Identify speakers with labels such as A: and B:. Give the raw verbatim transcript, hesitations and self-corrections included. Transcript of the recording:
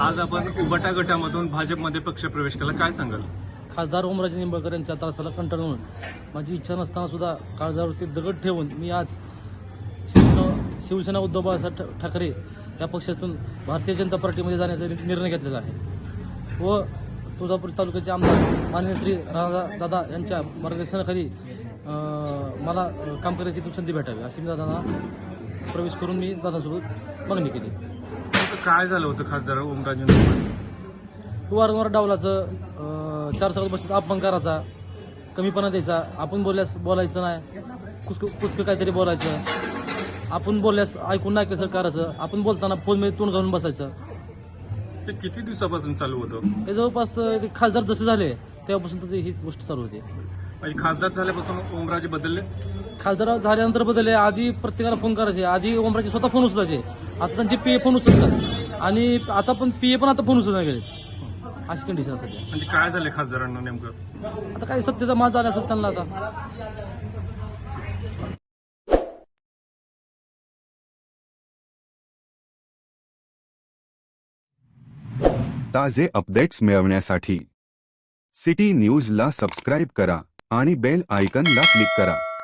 A: आज आपण उबाटा गटामधून भाजपमध्ये पक्षप्रवेश केला, काय सांगाल?
B: खासदार ओमराजे निंबाळकर यांच्या त्रासाला कंटाळून माझी इच्छा नसताना सुद्धा काळजावरती दगड ठेवून मी आज शिवसेना शिवसेना उद्धव बाळासाहेब ठाकरे या पक्षातून भारतीय जनता पार्टीमध्ये जाण्याचा निर्णय घेतलेला आहे व तुळजापूर तालुक्याचे आमदार माननीय श्री राणा दादा यांच्या मार्गदर्शनाखाली मला काम करण्याची संधी भेटावी अशी मी दादांना प्रवेश करून मी दादासोबत मागणी केली.
A: काय झालं होतं खासदार ओमराजे निंबाळकर?
B: वारंवार डावलाचं चार चाकात बसत अपमान करायचा, कमीपणा द्यायचा, आपण बोलल्यास बोलायचं नाही, कुचक कुचकं काहीतरी बोलायचं, आपण बोलल्यास ऐकून नाही कसं करायचं, आपण बोलताना फोनमध्ये तोंड घालून बसायचं.
A: ते किती दिवसापासून चालू होतं?
B: हे जवळपास ते खासदार जसे झाले तेव्हापासून त्याची ही गोष्ट चालू होती.
A: म्हणजे खासदार झाल्यापासून ओमराजे बदलले?
B: खासदार झाल्यानंतर बदलले. आधी प्रत्येकाला फोन करायचे, आधी ओमराजे स्वतः फोन उचलायचे, आता त्यांचे पीए फोन उचलतात आणि आता पण पीए पण आता फोन उचलून गेले. अशी कंडिशन सध्या.
A: म्हणजे काय झाले खासदारांना नेमकं?
B: आता काय सत्तेचा माज झाला असेल त्यांना आता.
C: ताजे अपडेट्स मिळवण्यासाठी सिटी न्यूजला सबस्क्राईब करा आणि बेल आयकॉनला क्लिक करा.